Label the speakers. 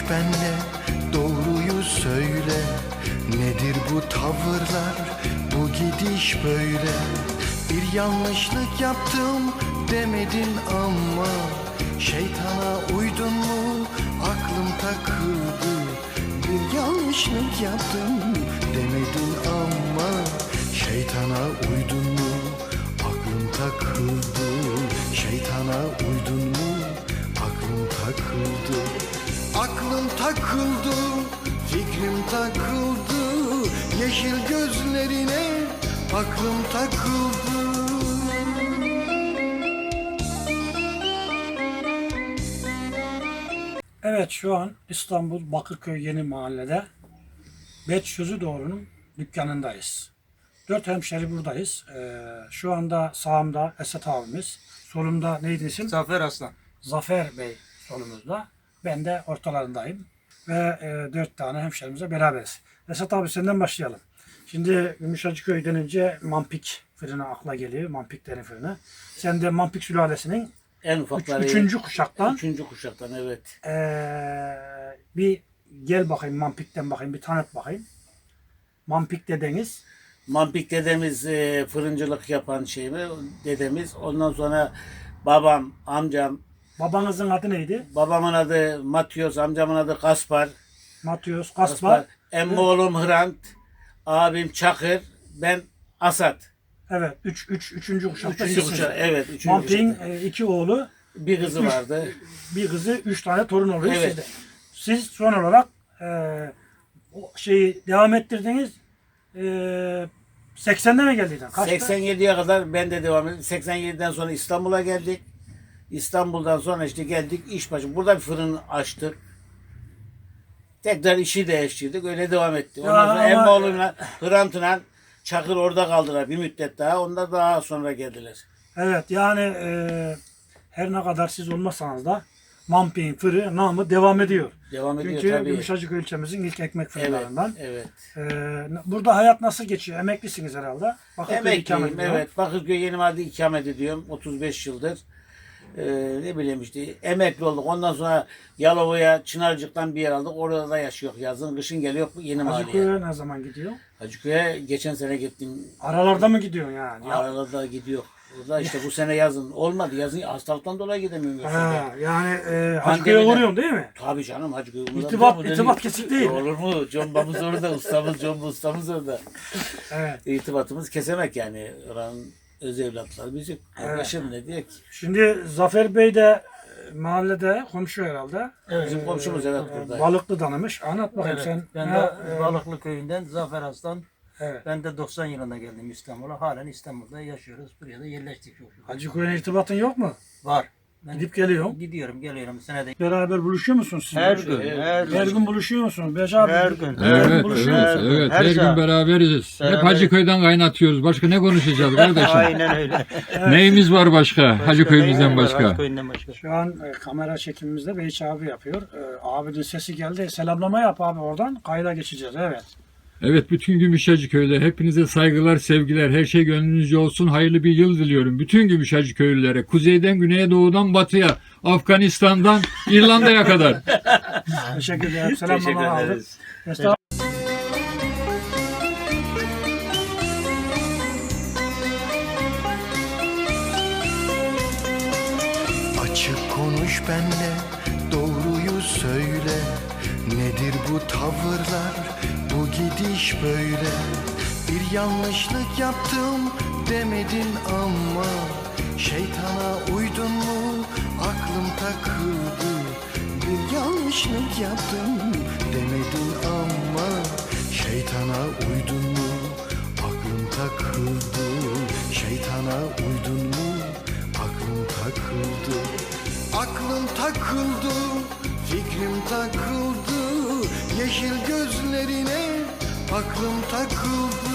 Speaker 1: benle, doğruyu söyle. Nedir bu tavırlar, bu gidiş böyle? Bir yanlışlık yaptım demedin ama şeytana uydun mu, aklım takıldı. Bir yanlışlık yaptım demedin ama şeytana uydun mu, aklım takıldı. Şeytana uydun mu, aklım takıldı. Aklım takıldı, fikrim takıldı. Yeşil gözlerine aklım takıldı.
Speaker 2: Evet, şu an İstanbul Bakırköy Yeni Mahalle'de Bet Sözü Doğru'nun dükkanındayız. 4 hemşeri buradayız. Şu anda sağımda Esat abimiz, solumda neydi isim?
Speaker 3: Zafer Aslan.
Speaker 2: Zafer Bey solumuzda. Ben de ortalarındayım. Ve 4 tane hemşerimize beraberiz. Esat abi senden başlayalım. Şimdi Gümüşhacıköy denince Mampik fırını akla geliyor. Mampik derin fırını. Sen de Mampik sülalesinin
Speaker 3: En ufakları.
Speaker 2: üçüncü kuşaktan.
Speaker 3: Üçüncü kuşaktan, evet.
Speaker 2: Bir gel bakayım Mampik'ten bakayım, bir tanıt bakayım. Mampik dedeniz.
Speaker 3: Mampik dedemiz fırıncılık yapan şey mi? Dedemiz. Ondan sonra babam, amcam.
Speaker 2: Babanızın adı neydi?
Speaker 3: Babamın adı Matyos, amcamın adı Kaspar.
Speaker 2: Matyos, Kaspar.
Speaker 3: Emmi oğlum Hrant, abim Çakır, ben Asat.
Speaker 2: Evet, üçüncü kuşakta
Speaker 3: Üçüncü
Speaker 2: sizsiniz.
Speaker 3: kuşak, evet. Üçüncü
Speaker 2: Mampik'in
Speaker 3: kuşak.
Speaker 2: 2 oğlu,
Speaker 3: Bir kızı vardı.
Speaker 2: bir kızı, 3 tane torun oluyor
Speaker 3: Evet.
Speaker 2: sizde. Siz son olarak o şeyi devam ettirdiniz. 80'de mi geldiydin? Kaçta?
Speaker 3: 87'ye kadar ben de devam ettim. 87'den sonra İstanbul'a geldik. İstanbul'dan sonra işte geldik iş başı. Burada bir fırın açtık. Tekrar işi değiştirdik. Öyle devam etti.
Speaker 2: Ya
Speaker 3: Ondan sonra
Speaker 2: ama-
Speaker 3: emmi oğlumla Hrant'la Çakır orada kaldılar bir müddet daha. Onlar daha sonra geldiler.
Speaker 2: Evet, yani her ne kadar siz olmasanız da Mampik'in fırı namı devam ediyor.
Speaker 3: Devam ediyor
Speaker 2: Çünkü
Speaker 3: tabii.
Speaker 2: Gümüşhacıköy ilçemizin ilk ekmek
Speaker 3: Evet,
Speaker 2: fırınlarından.
Speaker 3: evet.
Speaker 2: Burada hayat nasıl geçiyor? Emeklisiniz herhalde. Bakırköy'de ikamet
Speaker 3: Emekliyim,
Speaker 2: ediyor.
Speaker 3: evet. Bakırköy Yeni Mahalle'de ikamet ediyorum. 35 yıldır. Ne bileyim işte emekli olduk. Ondan sonra Yalova'ya, Çınarcık'tan bir yer aldık. Orada da yaşıyor yazın. Kışın geliyor Yeni Mahalle'ye.
Speaker 2: Hacıköy'e ne zaman gidiyor?
Speaker 3: Hacıköy'e geçen sene gittim.
Speaker 2: Aralarda mı gidiyorsun yani?
Speaker 3: Arada gidiyor. Orada işte bu sene yazın. Olmadı. Yazın hastalıktan dolayı gidemiyorum.
Speaker 2: Ha, yani Hacıköy'e
Speaker 3: Pandemiden.
Speaker 2: uğruyorsun değil mi?
Speaker 3: Tabii canım Hacıköy.
Speaker 2: İrtibat kesik değil.
Speaker 3: Olur mu? Combamız orada. Ustamız orada.
Speaker 2: Evet.
Speaker 3: İrtibatımız kesemek yani. Oranın öz evlatları bizim. Kardeşim ne diye ki?
Speaker 2: Şimdi Zafer Bey de mahallede komşu herhalde.
Speaker 3: Bizim komşumuz evet burada.
Speaker 2: Balıklı tanımış. Anlat bakayım
Speaker 4: Evet,
Speaker 2: sen.
Speaker 4: ben
Speaker 2: Ha,
Speaker 4: de Balıklı köyünden Zafer Aslan.
Speaker 2: evet.
Speaker 4: Ben de 90 yılında geldim İstanbul'a. Halen İstanbul'da yaşıyoruz. Buraya da yerleştik çok şükür.
Speaker 2: Hacıköy'e irtibatın yok mu?
Speaker 4: Var. Ben
Speaker 2: Gidip geliyorsun.
Speaker 4: gidiyorum, geliyorum senede.
Speaker 2: Beraber buluşuyor musunuz siz?
Speaker 4: Her gün,
Speaker 2: Her gün buluşuyor musunuz? Beş abi.
Speaker 4: Her gün.
Speaker 2: Her gün
Speaker 5: Evet,
Speaker 2: buluşuyoruz.
Speaker 5: evet,
Speaker 4: Her
Speaker 5: her gün
Speaker 4: saat.
Speaker 5: beraberiz. Hep
Speaker 4: Beraber.
Speaker 5: Hacıköy'den kaynatıyoruz. Başka ne konuşacağız kardeşim?
Speaker 4: Aynen öyle.
Speaker 5: Neyimiz var başka? Hacıköy'ümüzden başka.
Speaker 4: Hacıköy'ünden başka.
Speaker 2: Şu an kamera çekimimizde Beyiç abi yapıyor. Abinin sesi geldi. Selamlama yap abi oradan. Kayda geçeceğiz. Evet.
Speaker 5: Evet, bütün Gümüşhacıköy'de hepinize saygılar, sevgiler, her şey gönlünüzce olsun. Hayırlı bir yıl diliyorum. Bütün Gümüşhacıköylülere, kuzeyden güneye, doğudan batıya, Afganistan'dan İrlanda'ya kadar.
Speaker 2: Teşekkür ederim. Selamlama
Speaker 3: Teşekkür
Speaker 2: aldık.
Speaker 3: ederiz.
Speaker 2: Estağfurullah.
Speaker 1: Açık konuş benle, doğruyu söyle. Nedir bu tavırlar, bu gidiş böyle? Bir yanlışlık yaptım demedin ama şeytana uydun mu, aklım takıldı. Bir yanlışlık yaptım demedin ama şeytana uydun mu, aklım takıldı. Şeytana uydun mu, aklım takıldı. Aklım takıldı, fikrim takıldı. Yeşil gözlerine aklım takıldı.